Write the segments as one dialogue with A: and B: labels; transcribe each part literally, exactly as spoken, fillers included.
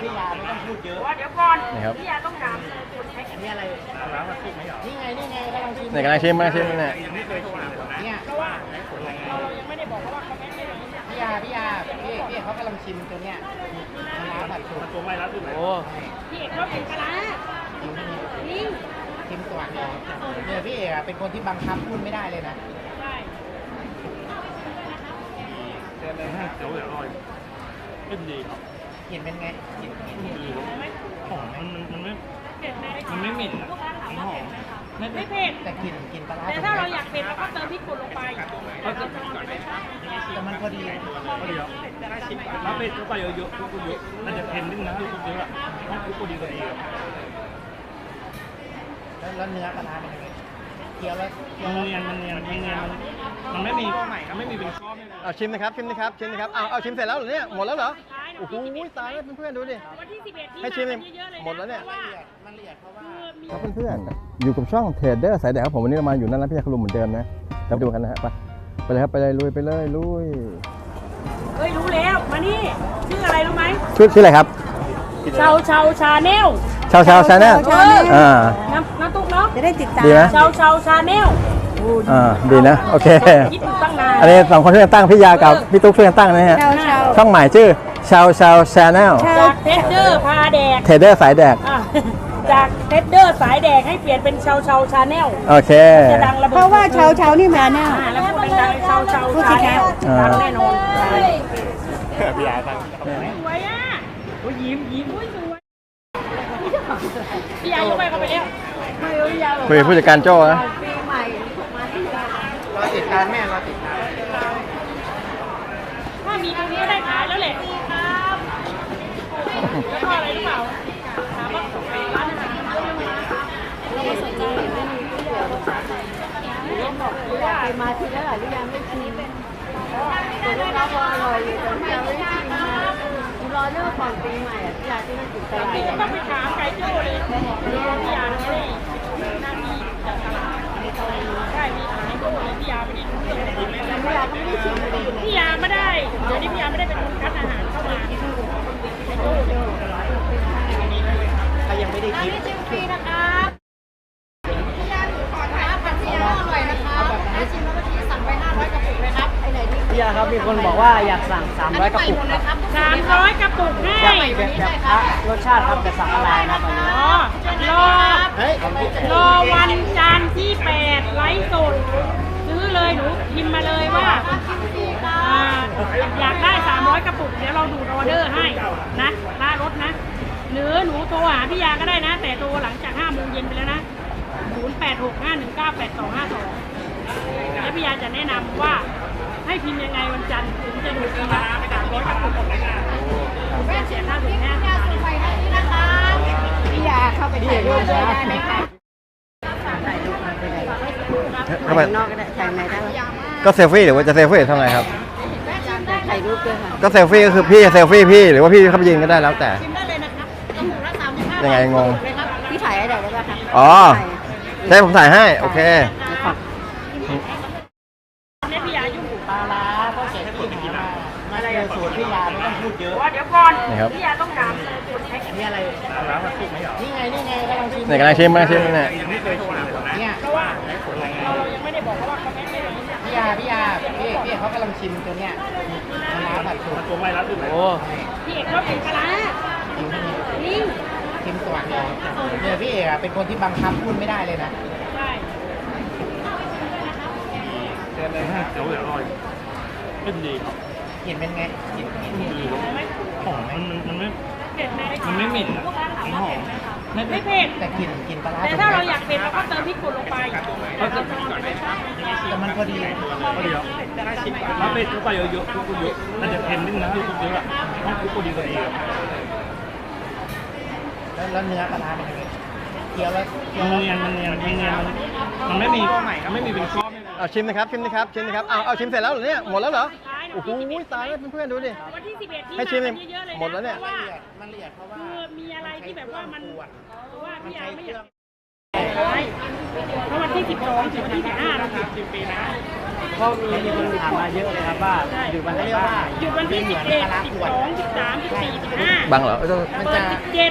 A: พี่ยาไม่ต้องพูดเยอะ
B: เดี๋ยวก่อน
C: นี่ครับ
B: พี่ยาต้องถามอันนี้อะไร
A: ร้านมันสุกไหมหรอนี่ไงนี่ไงกำลังชิม
C: ไหนกำลังชิมกำลังชิมเนี่ย
A: ยังไม่เคยชิมเลยเนี่ยเพราะว่าเรายังไม่ได้บอกว่าเขาไม่ได้พี่ยาพี่ยาพี่พี่เขากำลังชิมตัวเนี้ยร้านผัดสุกตัวไม่รับด้วยไหมโอ้
B: พี่เอกเขาเป็นกะลานิ่ง
A: ชิมตัวเนี่ยเนี่ยพี่เอกเป็นคนที่บังคับพูดไม่ได้เลยนะ
B: ใช่
A: เดี๋ยวเลยฮะเดี๋ยวเดี๋ยวอร่อยขึ้นดีครับเห็นเป็นไงเห็นเห็นดีหอมมันมันไม่มันไม่เหม็นอ่ะมันหอม
B: ไม่เผ็ด
A: แต่กลิ่นกลิ่นปลาร้า
B: แต่ถ้าเราอยากเผ็ดเราก็เติมพริกป่นลงไป
A: แต่มันพอดี
D: พอดีครับถ้าเป็ดเข้าไปเยอะๆทุกเยอะน่าจะเค็มนิดนึงนะทุกเยอะอ่ะทุกพอดีพอดีครับ
A: แล้วเนื้อปลาร้าเป็นยังไงเคี้ยวแล้ว
D: มันเนียนมันเนียนมันเนียนมันมันไม่มีมันไม่มีเป็นก้อนไม่เลย
C: เอาชิมนะครับชิมนะครับชิมนะครับเอาเอาชิมเสร็จแล้วเหรอเนี่ยหมดแล้วเหรอโอ้โหตายแล้วเพื่อนๆดูดิ
B: วันที่สิบเอ็ดนี้
C: ให้ชิม
B: มาเยอะๆเลยนะ
C: หมดแล้วเนี่ย
B: พราะว่า
A: มันละเอียดเพราะว่า
C: ครับเพื่อนๆอยู่กับช่องเทรดเดอร์สายแดกครับผมวันนี้เรามาอยู่นั่นร้านพี่ยาขลุมเหมือนเดิมนะเราไปดูกันนะฮะไปไปเลยครับไปเลยลุยไปเลยลุย
B: เฮ้ยรู้แล้วมานี่ชื่ออะไรรู้ไหม
C: ชื่อชื่ออะไรครับ
B: ชาวชาวชาแนล
C: ชาวชาวชาแนลอ่า
B: น้ำน้ำตุ๊กเนาะ
E: จะได้ติดตาม
C: ดีไหม
B: ชาวชาวชาแนล
C: อ่าดีนะโอเค
B: คิดอยู่ตั้งนาน
C: อันนี้สองคนช่วยกันตั้งพี่ยากับพี่ตุ๊กช่วยกันตั้งนะฮะ
E: เชาเชา
C: ช่องใหม่ชื่อชาวชาวชาแนล
B: จากเทสเดอร์พาแดก
C: เทรดเดอร์สายแดก
B: อ่ะจากเทสเดอร์สายแดกให้เปลี่ยนเป็นชาวชาวชาแนล
C: โอเค
B: จะดังระเบิด
E: เพราะว่าเชาเชานี่มาแน่
B: อ่าแล้วพูดดังๆชาวชาวชาแนล
C: อ่า
B: ดังแน่นอน
A: พี่ยาตั้ง
B: สวยอ่ะโอ้ยยิ้มยิ้มอุ้ยสวยพี่ยายกไปเข้าไปแล้ว
C: คุยกับผู้จัดการโจ้นะ
A: รอติดตามแม่รอติดตาม
B: ถ้ามีตรงนี้ก็ได้ขายแล้วแหละครับแล้วก็อะไรหรือเปล่าถามว่าร้านอาหารเยอะไหมเราไม่สนใจไม่มีที่เดียวบอกว่า
E: ไปมาทีแล้วหรือยังไม่ชิมแต่ลูกค้าพออร่อยอยู่แต่ยังไม่ชิมนะรอเรื่องก่อนปีใหม่อ่ะที่ร้านที่นั่นติดตลาด
B: ต้องไปถามไก่โจ้เลยพี่ยาไม่ได้นั่งมีจากตลาดใช่มีขายโจ้เลยพี่ยาไม่ได้รู้เรื่องเลยพี่ยาไม่ได้เดี๋ยวนี้พี่ยาไม่ได้เป็นคนคัดอาหารเข้ามาไก่โจ้เลย
A: ถ้ายังไม่ได้กิน
B: ฟรีนะครับ
F: พี่ยาครับมีคนบอกว่าอยากสั่งสามร้อยกระปุกครับ
B: สามร้อยกระปุกให้
F: แบบแบบพระรสชาติครับแต่สั่งออนไลน์นะตอนนี้
B: อ๋อรอ
A: เฮ้ย
B: รอวันจันทร์ที่แปดไลฟ์สดซื้อเลยหนูพิมพ์มาเลยว่าอ่าอยากได้สามร้อยกระปุกเดี๋ยวเราดูออเดอร์ให้นะค่ารถนะหรือหนูโทรหาพี่ยาก็ได้นะ แต่โทรหลังจากห้าโมงเย็นไปแล้วนะศูนย์ แปด หก ห้า หนึ่ง เก้า แปด สอง ห้า สองแล้วพี่ยาจะแนะนำว่าให้พิมพ์ยังไงวันจันทร์ถึงจะดูพี่ยาสามร้อยกระปุกแม่เสียค่าส่งแม่
E: พี่ยาเข้าไปถ่ายรูปด้วยได้ไหมคะ
C: เข้าไป
E: นอกก็ได้ถ่ายในได้ไหม
C: ก็เซลฟี่หรือว่าจะเซลฟี่ทำไงครับ
E: ถ่ายรูปด้วยค่ะ
C: ก็เซลฟี่ก็คือพี่จะเซลฟี่พี่หรือว่าพี่เข้าไปยืนก็ได้แล้วแต่
B: ชิมได้เลยนะครับกระปุกละสามสิบห้า
C: ยังไงงง
E: พี่ถ่ายอะไรได้ไหมคะ
C: อ๋อใช่ผมถ่ายให้โอเค
B: เนี่ยพี่ยายุ่ง
A: ปลาร้าก็เสร็จที่หามามาได้สูตรพี่ยาไม่ต้องพูดเยอะ
B: ว่าเดี๋ยวก่อน
C: นี่ครับ
B: พี่ยาต้องถามคนแพ็ค
A: อันนี้อะไร
D: ร้านมันสุกไหมหรอ
A: นี่ไงนี่ไงกำลังชิม
C: ไหนกำลังชิมกำลังชิมเนี่ย
D: ยังไม่เคยชิมเลยนะ
A: เนี่ย
B: เพราะว่าเรายังไม่ได้บอกเขาว่าเขาแพ็คไม่ได้เนี่ย
A: พี่ยาพี่ยาพี่พี่เขากำลังชิมตัวเนี้ยปลาร้าผัดสุก
D: ตัวไม่รับด้วยไหม
C: โอ้
B: พี่เอกเขาเป็นกะลานิ่ง
A: ชิมตัวเนี่ยเนี่ยพี่เอกเป็นคนที่บังคับพูดไม่ได้เลยนะ
B: ใช่
D: เดี๋ยวเลยฮะเดี๋ยวเดี๋ยวอร่อยขึ้นดีครับ
A: เห็นเป็นไงเห็นเห็น
D: ดีหอมมันมันไม่
B: เผ็ดไหม
D: มันไม่เหม็นอ่ะมันหอม
B: ไม่เผ็ด
A: แต่กลิ่นกลิ่นปลาร้า
B: แต่ถ้าเราอยากเผ็ดเราก็เติมพริกป่นลงไป
A: แต่มันพอดี
D: พอดีครับถ้าเป็ดเข้าไปเยอะๆทุกเยอะน่าจะเค็มนิดนึงนะทุกเยอะอ่ะทุกพอดีพอดีครับ
A: แล้วแล้วเนื้อปลาร้าเป็นยังไงเคี้ยวแล้ว
D: มันเนียนมันเนียนมันเนียนมันมันไม่มีมันไม่มีเป็นก้อนไม่เลย
C: เอาชิมนะครับชิมนะครับชิมนะครับเอาเอาชิมเสร็จแล้วเหรอเนี่ยหมดแล้วเหรอโอ้โหตายแล้วเพื่อนๆดูดิ
B: วันที่สิบเอ็ดนี้
C: ให้ชิม
B: มาเยอะๆเลยนะ
C: หมดแล้วเนี่ย
B: พราะว่า
A: มันละเอียดเพราะว่า
B: คือมีอะไรที่แบบว่ามันว่าพี่ยาไม่อยากท้ายเพราะวันที่สิบสองถึงวันที่สิบห้าเราหยุดสิบปีนะ
F: ก็มีมีคนถามมาเยอะเลยครับว่าหยุดวันไหนบ้าง
B: หยุดวันที่สิบเอ็ดสิบสองสิบสามสิบสี่สิบห้า
C: บังเหรอเอ้ยต้อง
B: เปิดสิบเจ็ด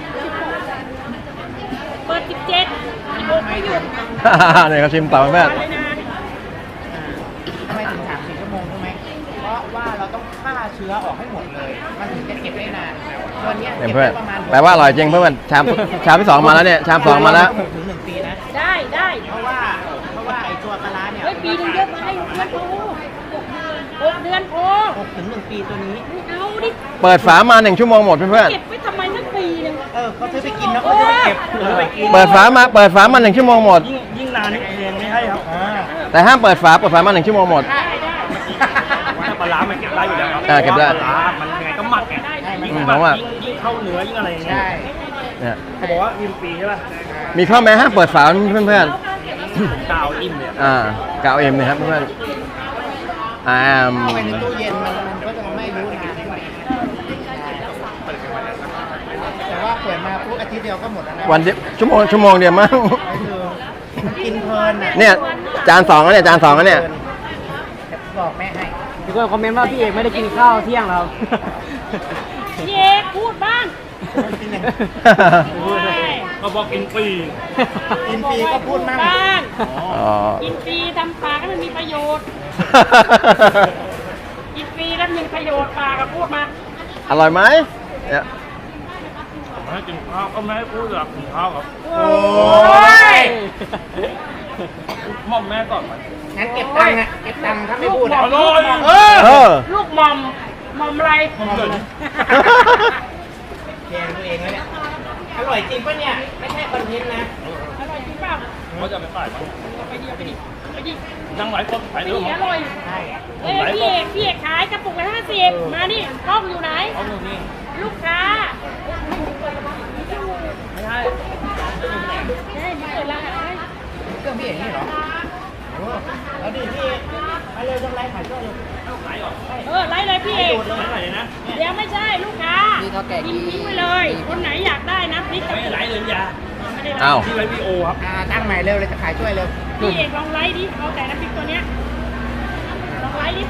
B: เปิดสิบเจ็ดสิบหกไม่หยุด
C: เนี่ยเขาชิมต่อเพื่อน
B: เลยนะ
G: ทำไมถึงสามสี่ชั่วโมงใช่ไหมเพราะว่าเราต้องฆ่าเชื้อออกให้หมดเลย มันถึงจะเก็บได้นานตัวเนี้ย
C: เนี่ย
G: เก็บ
C: เพื่อน
G: ได้ประมาณ
C: แปลว่าอร่อยจริงเพื่อนชามชามที่สองมาแล้วเนี่ยชามสองมาแล้ว
G: หกถึงหนึ่งปีนะ
B: ได้ได้
G: เพราะว่าเพราะว่าไอ้ตัวปลาร้าเนี่ย
B: เฮ้ยปีหนึงเยอะไปเดือนโอ้หกเดือนโอ้
G: หกถึงหนึ่งปีตัวนี้
B: ไม่เอาดิ
C: เปิดฝามาหนึ่งชั่วโมงหมดเพื่อน
B: เก็บไว้ทำไมตั้งปีหนึง
G: เออเขาซื้อไปกินแล้วเขาจะไปเก็บซื้อไปกิน
C: ๆเปิดฝามาเปิดฝามาหนึ่งชั่วโมงหมด
D: ยิ่งยิ่งนานนี่เพลงไม่ให้ครับ
G: อ่า
C: แต่ห้ามเปิดฝาเปิดฝามาหนึ่งชั่วโมงหมด
B: ได้ได้
D: ถ้าปลาร้ามันเก็บได้อยู่แล้วครับ
C: อ่าเก็บได้
D: ปลาร้ามันยังไงก็หมักไง
B: ได้ได้
D: ยิ่ง
C: อืม
D: หมั
C: เพราะว่า
D: กยิ่งยิ่งเข้าเนื้อยิ่งอะไรอย่างเงี้ย
G: ใช่
C: เนี่ย
D: เขาบอกว่าอิ่มปีใช่ป่ะ
C: มีข้อแม้ห้ามเปิดฝาเพื่อน
D: กาวอิ่มเนี่ย
C: ๆอ่ากาวเอ็มนะครับเพื่อนๆอ่า
G: เข้าไปในตู้เย็นมันมันก็จะไม่รู้นานแต่ว่าเปิดมาปุ๊บอาทิตย์เดียวก็หมดแล้วนะ
C: วันเดียวชั่วโมงชั่วโมงเดียวมั้ง
G: ก็คือมันกินเพลินอ่ะ
C: เนี่ยจานสองแล้วเนี่ยจานสองแล้วเนี่ย
G: บอกแม่ให้
F: มีคนคอมเมนต์ว่าพี่เอกไม่ได้กินข้าวเที่ยงแล้ว
B: พี่เอกพูดบ้าง
G: กินอย่าง
B: โอ้ย
D: ก็บอกกินปี
G: กินฟรีก็พูดมั่ง
B: บ้าง
C: อ๋อ
B: กินฟรีทำปากให้มันมีประโยชน์ กินฟรีแล้วมีประโยชน์ปากก็พูดมา
C: อร่อยไหมเนี่ย
D: ผมให้กินข้าวก็ไม่ให้พูดหรอกกินข้าวครับ
B: โอ้ย
D: มอมแม่ก่อนไหม
G: งั้นเก็บตังค์อะเก็บตังค์ถ้าไม่พูดอะ
D: อร่อย
G: เออ
C: เออ
B: ลูกหมอมหมอมอะไร
D: มอมเกิด
G: แกงตัวเองแล้วเนี่ย อร่อยจริงปะเนี่ย ไม่ใช่คอนเทนต์นะ
B: อร่อยจริงเปล่า
D: เขาจะไปขายมั้ง
B: ไปดิไปดิไปดิ
D: นั่งไลฟ์สดขาย
B: ไป
D: เรื่อ
B: ดิ
D: งมั้
B: อง ร่อย
G: ใช่
B: เอ้ยพี่เอกพี่เอกขายกระปุกละห้าสิบมานี่กล้องอยู่ไหน
D: เอาเรื่องนี้
B: ลูกค้า
D: ไม่ใช่
B: เฮ้ยมาเปิดร้านอะไร
G: เครื่องพี่เอกนี่เหรอโอ้แล้วดิพี่เอกมาเร็วจังไรขายก็เร็ว
D: ขายเหรอ
B: เออไล่เลยพี่เอก
D: ไม่ไหลเลยนะ
B: เดี๋ยวไม่ใช่ลูกค้ากินทิ้งไปเลย คนไหนอยากได้นะพริกกระ
D: ไม่
B: ปุก
D: ไหลเลยยา
B: ไม่ได้ไล่
C: อ้าว
D: ที่ไลฟ์วีโอครับ
G: อ่าตั้งใหม่เร็วเลยจะขายช่วยเร็ว
B: พี่เอกลองไล่ดิเอาแต่น้ำพริกตัวเนี้ยลองไล่ดิ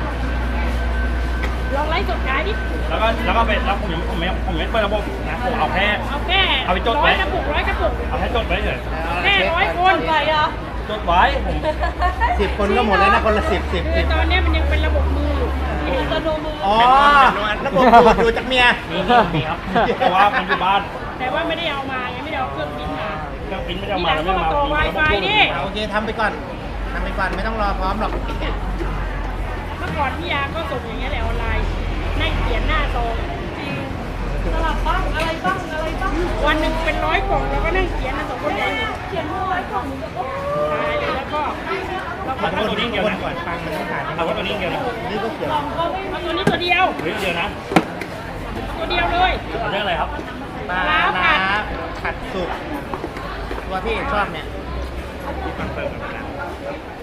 B: ลองไล่สดขายดิ
D: แล้วก็แล้วก็ไปแล้วผมยังผมไม่ผมไม่เปิดระบบนะผมเอาแค่
B: เอาแค่
D: เอาไปจด
B: ร้
D: ไว้
B: อยกระปุกร้อยกระปุก
D: เอาแค่จดไว้เฉย
B: แค่ร้อยคนไปอ่ะ
D: จดไว้ผม
G: สิบคนก็หมดแล้วนะคนละสิบสิบ
B: คื
G: สิ
B: อบ ตอนเนี้ยมันยังเป็นระบบมืออยู่อัตโนมือ
G: อ๋อระบบดูดดูจากเมีย
D: มีนี่มีครับเพราะว่ามันอยู่บ้าน
B: แต่ว่าไม่ได้เอามาไงไม่ได้เอาเครื่องบินมา
D: เครื่องปริ้นไม่ได้
B: ที
D: เอา
B: ห
D: มา
B: ลัง
D: แล้ว
B: ก็
D: ไม่
B: มา
D: มา
B: ต่อ Wi-Fi ดิ
G: โอเคทำไปก่อนทำไปก่อนไม่ต้องรอพร้อมหรอก
B: เมื่อก่อนพี่ยาก็ส่งอย่างเงี้ยแหละออนไลน์นั่งเขียนหน้าซองจริงสลับบ้างอะไรบ้างอะไรบ้างวันหนึ่งเป็นร้อยกล่องเราก็นั่งเขียนนะสองคนเองเขียนร้อยกล่องก็ตายเลยแล้วก็เราก็
D: เอาตัวนี้เดียว
G: คน
D: นะ
G: ก่อนฟังมันต้องผ่าน
D: เอาว่าตัวนี้เดียวนะ
G: นี่ก็เกี่ยว
B: เอาตัวนี้ตัวเดียว
D: เฮ้ยเดียวนะ
B: ตัวเดียวเลย
D: เอาเรื่องอะไรครับ
G: ปลาน้ำผัดสุกตัวที่เอกชอบเนี่ย
D: คอนเฟิร์มกันนะ